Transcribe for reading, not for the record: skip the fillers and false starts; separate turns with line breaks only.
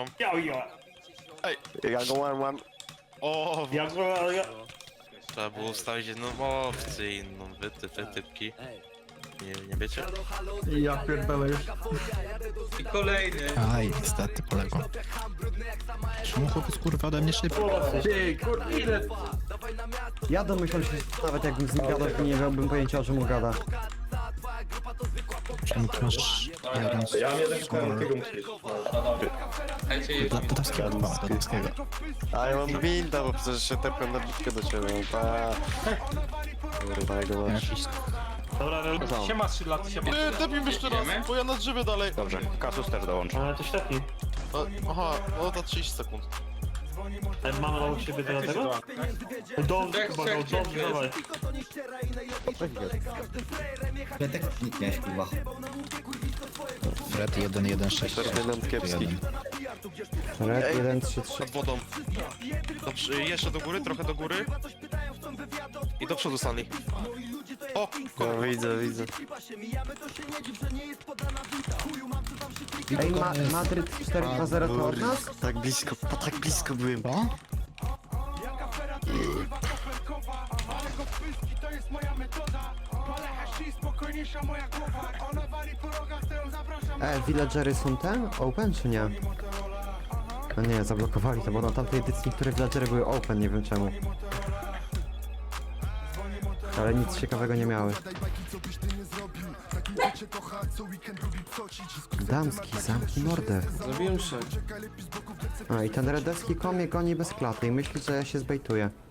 przepraszam.
Ja go mam.
O,
Ja...
trzeba było ustawić jedną opcję inną. Wytypki. Nie wiecie?
Ja pierdolę już.
I kolejny.
Aj, niestety poległo. Czemu chłopiec kurwa ode mnie szybko?
Ty, kurwa, ile?
Ja domyślam się, nawet jakbym z nim gadał, to nie miałbym pojęcia, o czym on gada.
Czemu ty masz jeden
Ja mnie tak szukałem tego musisz.
Słuchajcie,
Dodowskiego, Dodowskiego.
A ja mam binda, bo przecież się tepłem na bitkę do ciebie. Kurwa, jego masz.
Jakiś
Dobra,
Siema, 3 lat, siema.
Tepim jeszcze raz, bo ja na drzewie dalej.
Dobrze, Kasus też dołączy.
ale to ślepki.
Aha, no to 30 sekund.
Mamy obok siebie do tego? Dobrze, chyba go, dobrze, dawaj.
Fred 116.
Ferdynand Kiepski.
Red 1, 3, 3.
Pod wodą. Dobrze, jeszcze do góry, trochę do góry. I do przodu Stanley. O,
No widzę.
Ej, Madryt 4-2-0 to od nas?
Tak blisko byłem.
O?
Villagery są ten? Open czy nie? No nie, zablokowali to, bo na tamtej edycji niektóre villagery były open, nie wiem czemu. Ale nic ciekawego nie miały. Damski, zamknij mordę.
Zrobiłem 6.
A i ten redowski kom mnie goni bez klaty i myśli, że ja się zbejtuję.